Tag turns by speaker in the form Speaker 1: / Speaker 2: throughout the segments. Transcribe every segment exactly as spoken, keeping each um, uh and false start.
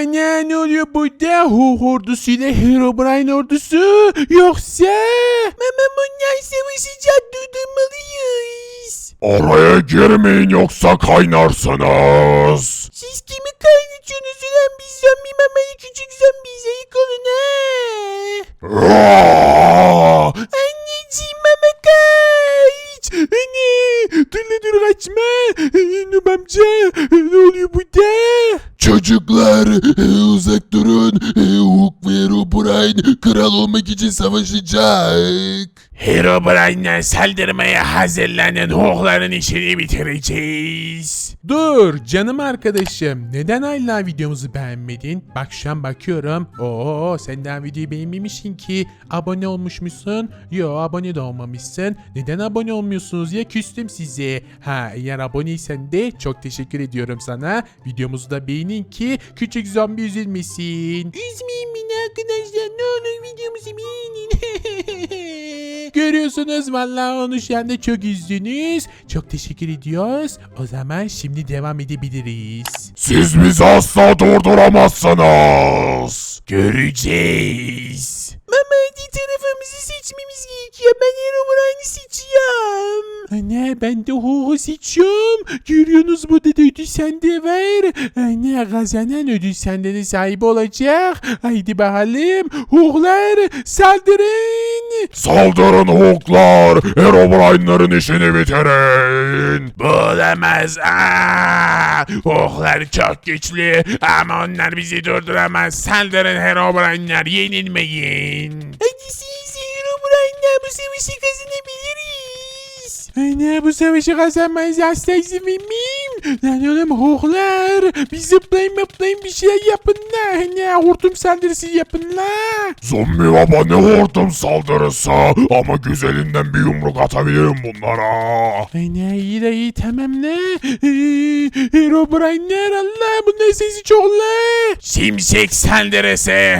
Speaker 1: Ana ne oluyor burada? Hulk ordusuyla Herobrine ordusu yoksa? Mama bunlar savaşacak, durdurmalıyız.
Speaker 2: Oraya girmeyin yoksa kaynarsınız.
Speaker 1: Siz kimi kaynatıyorsunuz ulan? Biz zombi mamayı küçük zombiyiz, ayık olun ha.
Speaker 2: Aa!
Speaker 1: Anneciğim mama kaç. Anne dur la dur kaçma. Nub amca ne oluyor burada?
Speaker 2: Çocuklar uzak durun. Hulk ve Herobrine kral olmak için savaşacak.
Speaker 1: Herobrine'den saldırmaya hazırlanan Hulk'ların işini bitireceğiz. Dur canım arkadaşım. Neden hala videomuzu beğenmedin? Bak şu an bakıyorum. Oo sen daha videoyu beğenmemişsin ki. Abone olmuşmuşsun. Yo abone de olmamışsın. Neden abone olmuyorsunuz ya? Küstüm size. Ha eğer aboneysen de çok teşekkür ediyorum sana. Videomuzu da beğenin ki küçük zombi üzülmesin. Üzmeyin beni arkadaşlar. Ne olur videomuzu beğenin. Görüyorsunuz vallahi onu şu anda çok üzdünüz. Çok teşekkür ediyoruz. O zaman şimdi devam edebiliriz.
Speaker 2: Siz bizi asla durduramazsınız.
Speaker 1: Göreceğiz. Mama hadi tarafımızı seçmemiz gerekiyor. Ben Herobrine'i seçiyorum. Anne ben de Hulk'u seçiyorum. Görüyorsunuz burada da ödül sende var. Anne kazanan ödül sende de sahibi olacak. Haydi bakalım. Hulk'lar saldırın.
Speaker 2: Saldırın Hulk'lar. Herobrine'ların işini bitirin.
Speaker 1: Bulamaz. Aa! Hulk'lar çok güçlü ama onlar bizi durduramaz. Saldırın Herobrine'ler, yenilmeyin. Hadi siz Herobrine'ler, bu savaşı kazanabiliriz. Anne bu savaşı kazanmayız, asla izin vermeyeyim. Lan oğlum Hulk'lar, bir zıplayın mıplayın bir şey yapın la. Anne hortum saldırısı yapın la.
Speaker 2: Zombi baba ne hortum saldırısı. Ama güzelinden bir yumruk atabilirim bunlara.
Speaker 1: Anne iyi de iyi tamam la. Herobrine'ler Allah bunların sesi çok la. Şimşek saldırısı.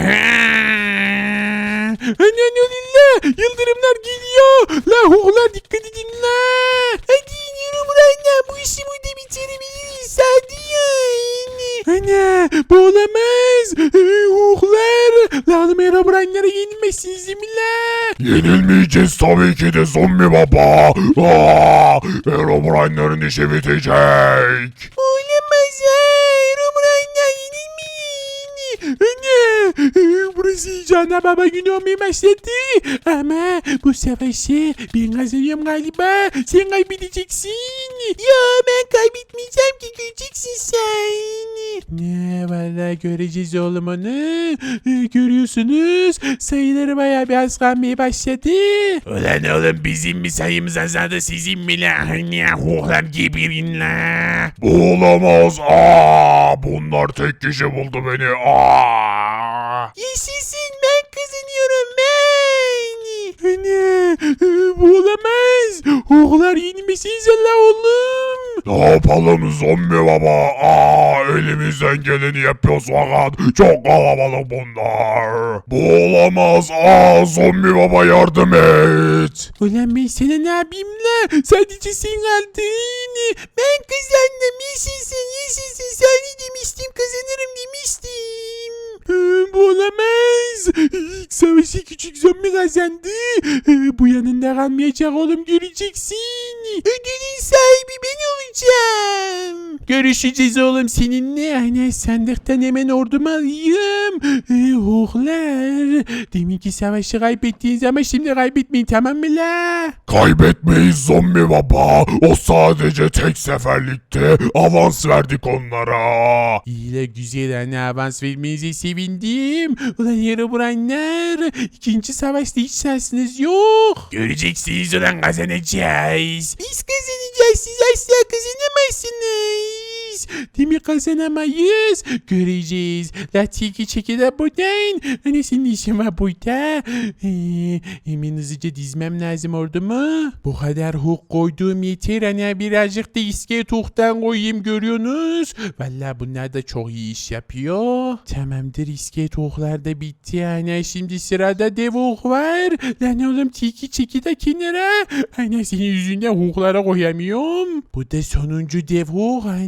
Speaker 1: Anne ne oluyor la? Yıldırımlar geliyor. La Hulk'lar dikkat edin la. Hadi Herobrine'ler bu işi burada bitirebiliriz. Hadi yani. Anne bu olamaz. Hulk'lar. La oğlum Herobrine'lere yenilmezsiniz değil mi la?
Speaker 2: Yenilmeyeceğiz tabii ki de zombi baba. Aa, Herobrine'ların işi bitecek.
Speaker 1: Olamaz ha. Herobrine'ler yenilmeyin. Anne burası iyice ana baba günü olmaya başladı. Ama bu savaşı ben kazanıyorum galiba. Sen kaybedeceksin. Ya ben kaybetmeyeceğim ki, göreceksin sen. Ne valla göreceğiz oğlum onu. Görüyorsunuz sayıları bayağı bir az kalmaya başladı. Ulan oğlum bizim mi sayımız azaldı, sizin mi la? Ne Hulk'lar geberin la.
Speaker 2: Bu olamaz. Aa, bunlar tek kişi buldu beni. Aa.
Speaker 1: Yaşasın, ben kazanıyorum ben. Anne bu olamaz. Hulk'lar yenilmesiniz Allah oğlum.
Speaker 2: Ne yapalım zombi baba? Aa, elimizden geleni yapıyoruz fakat çok kalabalık bunlar. Bu olamaz. Aa, zombi baba yardım et.
Speaker 1: Ulan ben sana ne yapayım la? Sadece sen kaldın. Ben kazandım. Yaşasın yaşasın. Sana demiştim, kazanırım demiştim. Bu olamaz. İlk savaşı küçük zombi kazandı. Bu yanında kalmayacak oğlum, göreceksin. Ödülün sahibi ben olacağım. Görüşeceğiz oğlum seninle. Aynen sandıktan hemen ordumu alayım. Ee, Hulk'lar. Deminki savaşı kaybettiniz ama şimdi kaybetmeyin, tamam mı la?
Speaker 2: Kaybetmeyiz zombi baba. O sadece tek seferlikte. Avans verdik onlara.
Speaker 1: İyi la güzel, hani avans vermenize sevindim. Ulan Herobrine'ler, ikinci savaşta hiç şansınız yok. Göreceksiniz ulan, kazanacağız. Biz kazanacağız, siz asla kazanamazsınız. Değil mi, kazanamayız? Göreceğiz. La tiki çeki de buradan. Hani senin işin var burada. Ee, hemen hızlıca dizmem lazım ordumu. Bu kadar Hulk koyduğum yeter. Hani birazcık da iskelet Hulk'tan koyayım, görüyorsunuz. Valla bunlar da çok iyi iş yapıyor. Tamamdır, iskelet Hulk'lar da bitti. Yani şimdi sırada dev Hulk var. Lan oğlum tiki çeki de kenara. Hani senin yüzünden Hulk'lara koyamıyorum. Bu da sonuncu dev Hulk. Hani var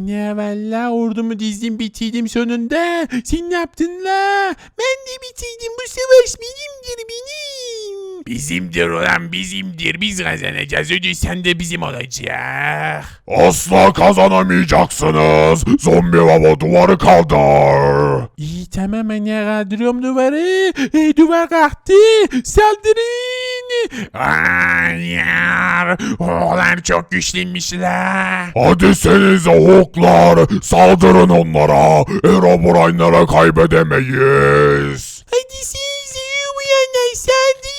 Speaker 1: valla ordumu dizdim bitirdim sonunda. Sen ne yaptın la? Ben de bitirdim, bu savaş benimdir benim. Bizimdir ulan bizimdir, biz kazanacağız, ödül sen de bizim olacak.
Speaker 2: Asla kazanamayacaksınız. Zombi baba duvarı kaldır.
Speaker 1: İyi tamam anne, kaldırıyorum duvarı. E, duvar kalktı, saldırın. Hayır, oğlan çok güçlüymüşler.
Speaker 2: Hadi senize hoklar. Saldırın onlara. Herobrine'lara kaybedemeyiz.
Speaker 1: Hadi siz uyanlar saldırın.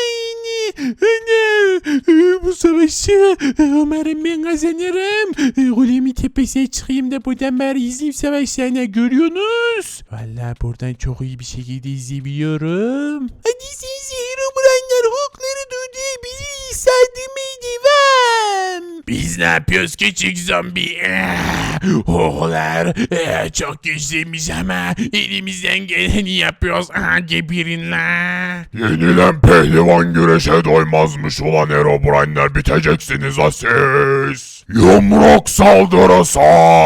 Speaker 1: Anne, bu savaşı umarım ben kazanırım. Golemi tepesine çıkayım da buradan bari izleyeyim savaşlarını, görüyorsunuz. Valla buradan çok iyi bir şekilde izleyebiliyorum. Hadi siz Herobrine'lar hokları durdurabiliriz, saldırmaya devam. Biz ne yapıyoruz küçük zombi? Hoklar çok güçlüymüş ama elimizden geleni yapıyoruz. Aha, geberin la.
Speaker 2: Yenilen pehlivan güreşe doymazmış ulan Herobrine'ler, biteceksiniz ha siz. Yumruk saldırısı.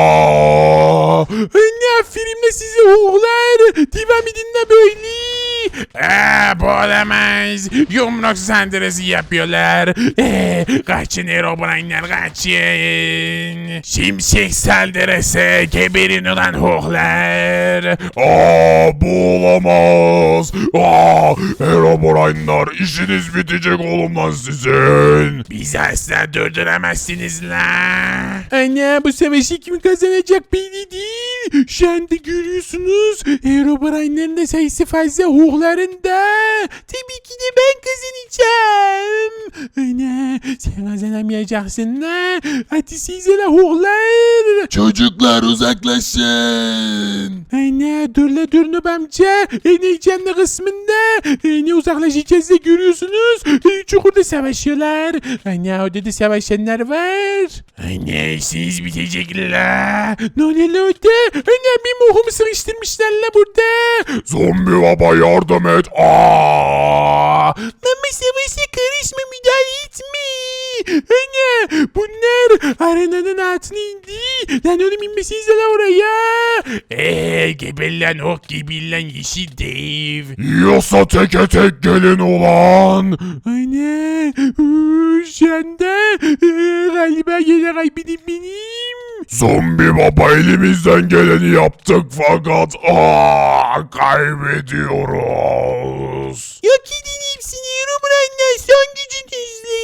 Speaker 1: Ne aferin de size oğullar. Devam edin de böyle. Aa, bu olamaz. Yumruk saldırısı yapıyorlar. Ee, kaçın Herobrine'ler, kaçın. Şimşek saldırısı, geberin ulan oğullar.
Speaker 2: Aa, bu olamaz. Aa, Herobrine'lar işiniz bitecek oğlum lan sizin.
Speaker 1: Bizi asla durduramazsınız la. Anne, bu savaşı kim kazanacak belli değil. Şu anda görüyorsunuz Herobrine'lerin de sayısı fazla, hoğların da. Tabii ki de ben kazanacağım. Anne, sen kazanamayacaksın la. Hadi size la hoğlar.
Speaker 2: Çocuklar uzaklaşın.
Speaker 1: Anne dur la dur Nub amca. En heyecanlı kısmında. Ne uzaklaşacağız da görüyorsunuz. Çukurda savaşıyorlar. Anne orada da savaşanlar var. Anne işiniz bitecek la. Ne oluyor la orada? Anne benim ohumu sıkıştırmışlar la burada.
Speaker 2: Zombi baba yardım et. Aa!
Speaker 1: Mama savaşa karışma, müdahale etme. Anne bunlar arenanın altına indi. Lan oğlum inmesinize la oraya. Eee geber lan ok gibi lan yeşil dev.
Speaker 2: Yiyorsa teke tek gelin ulan.
Speaker 1: Anne şu anda e, galiba yine kaybedin benim.
Speaker 2: Zombi baba elimizden geleni yaptık fakat aa, kaybediyoruz.
Speaker 1: Yok edin hepsini Herobrine'ler, son gücünüzle.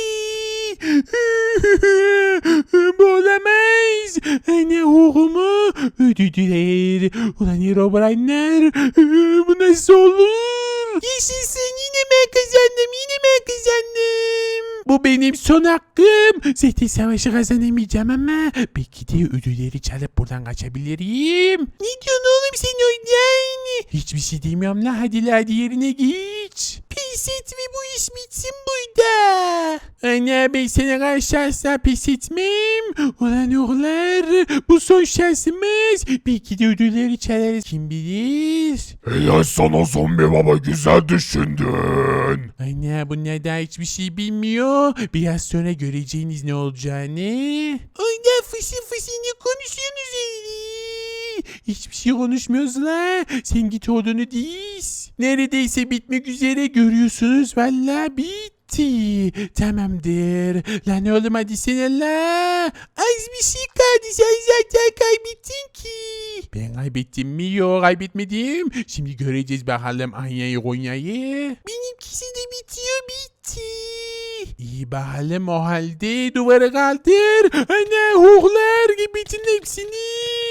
Speaker 1: Bu olamaz. Anne oğlumu ödüdüler. Ulan Herobrine'ler, bu nasıl olur? Yaşasın, yine ben kazandım, yine ben kazandım. Bu benim son hakkım. Zaten savaşı kazanamayacağım ama belki de ödülleri çalıp buradan kaçabilirim. Ne diyorsun oğlum sen oradan? Hiçbir şey demiyorum la, hadi la hadi yerine geç. Pes et ve bu iş bitsin burada. Anne ben sana karşı asla pes etmem. Ulan oğullar, bu son şansımız. Belki de ödülleri çalarız, kim bilir.
Speaker 2: Helal sana zombi baba, güzel düşündün.
Speaker 1: Anne bunlar daha hiçbir şey bilmiyor. Biraz sonra göreceğiniz ne olacağını. Orada fısı fısı ne konuşuyorsunuz öyle? Hiçbir şey konuşmuyoruz la. Sen git odunu diz. Neredeyse bitmek üzere, görüyorsunuz. Valla bitti. Tamamdır. Lan oğlum hadi sen la. Az bir şey kaldı. Sen zaten kaybettin ki. Ben kaybettim mi? Yok kaybetmedim. Şimdi göreceğiz bakalım Anya'yı Konya'yı. Benimkisi de bitiyor, bitti. İyi bakalım o halde duvara kaldır. Ana hoğlar gibi bitin hepsini.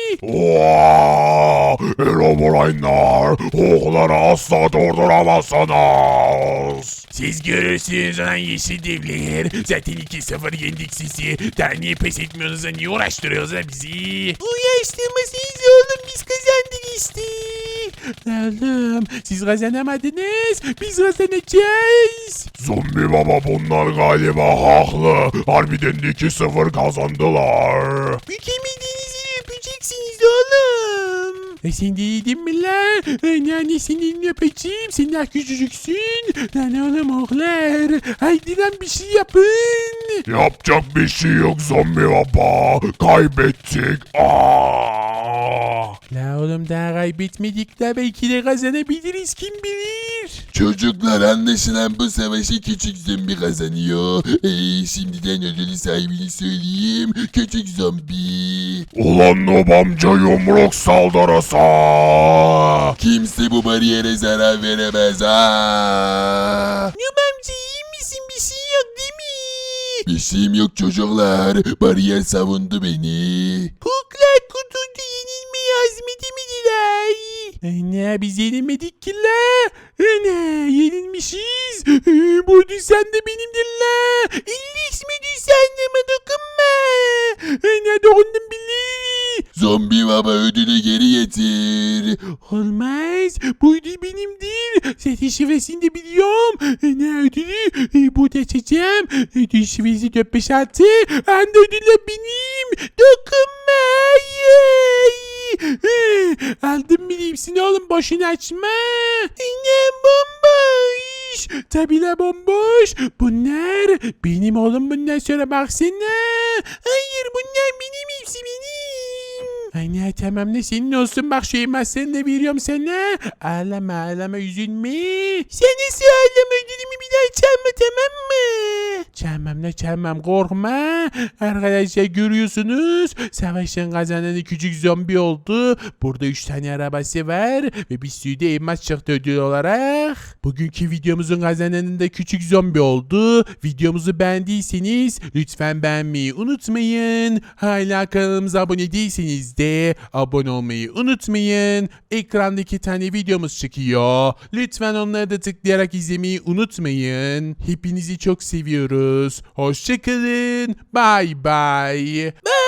Speaker 2: Ooo! Herobrine'lar, okları asla durduramazsınız.
Speaker 1: Siz görürsünüz lan yeşil devler. Zaten iki sıfır yendik sizi. Daha niye pes etmiyorsunuz da niye uğraştırıyorsunuz da bizi? Uğraştırmasınız oğlum, biz kazandık işte. Oğlum siz kazanamadınız. Biz kazanacağız.
Speaker 2: Zombi baba bunlar galiba haklı. Harbiden iki sıfır kazandılar.
Speaker 1: Mükemmelliğinizi öpeceksiniz oğlum. E sen de yedin mi lan? Ana anne senin öpeceğim. Sen daha küçücüksün. Lan oğlum oğlar. Haydi lan bir şey yapın.
Speaker 2: Yapacak bir şey yok zombi baba. Kaybettik. Aa!
Speaker 1: La oğlum daha kaybetmedik de belki de kazanabiliriz kim bilir.
Speaker 3: Çocuklar anlaşılan bu savaşı küçük zombi kazanıyor. Ee, şimdiden ödülü sahibini söyleyeyim. Küçük zombi.
Speaker 2: Ulan Nob amca yumruk saldırısı.
Speaker 3: Kimse bu bariyere zarar veremez ha.
Speaker 1: Nub amca iyi misin? Bir şey yok değil mi?
Speaker 3: Bir şeyim yok çocuklar. Bariyer savundu beni.
Speaker 1: Kuklar kutundu yenilmeyi azmedemediler. Ana biz yenilmedik ki la. Ana yenilmişiz. Ee, Bu düzen de benimdir la. İllis mi düzenleme dokunma. Ana dokundum bile.
Speaker 3: Zombi baba ödülü geri getir.
Speaker 1: Olmaz. Bu ödül benimdir. Zaten şifresini de biliyorum. Ne ödülü? E, burada açacağım. Ödül şifresi dört beş altı. Anda ödüller benim. Dokunma. Ay. E, Aldım bile hepsini oğlum. Boşuna açma. Ne bomboş. Tabi la bomboş. Bunlar benim oğlum bundan sonra baksana. Hayır bunlar benim hepsi benim. Aynen tamam ne senin olsun bak şu elmaslarını da veriyorum sana. Ağlama ağlama üzülme. Sen nasıl ağlama ödülümü bir daha çalma tamam mı? Çalmam ne çalmam korkma. Arkadaşlar görüyorsunuz savaşın kazananı küçük zombi oldu. Burada üç tane arabası var ve bir sürü de elmas çıktı ödül olarak. Bugünkü videomuzun kazananı da küçük zombi oldu. Videomuzu beğendiyseniz lütfen beğenmeyi unutmayın. Hala kanalımıza abone değilseniz de abone olmayı unutmayın. Ekranda iki tane videomuz çıkıyor. Lütfen onları da tıklayarak izlemeyi unutmayın. Hepinizi çok seviyoruz. Hoşçakalın. Bye bye. Bye.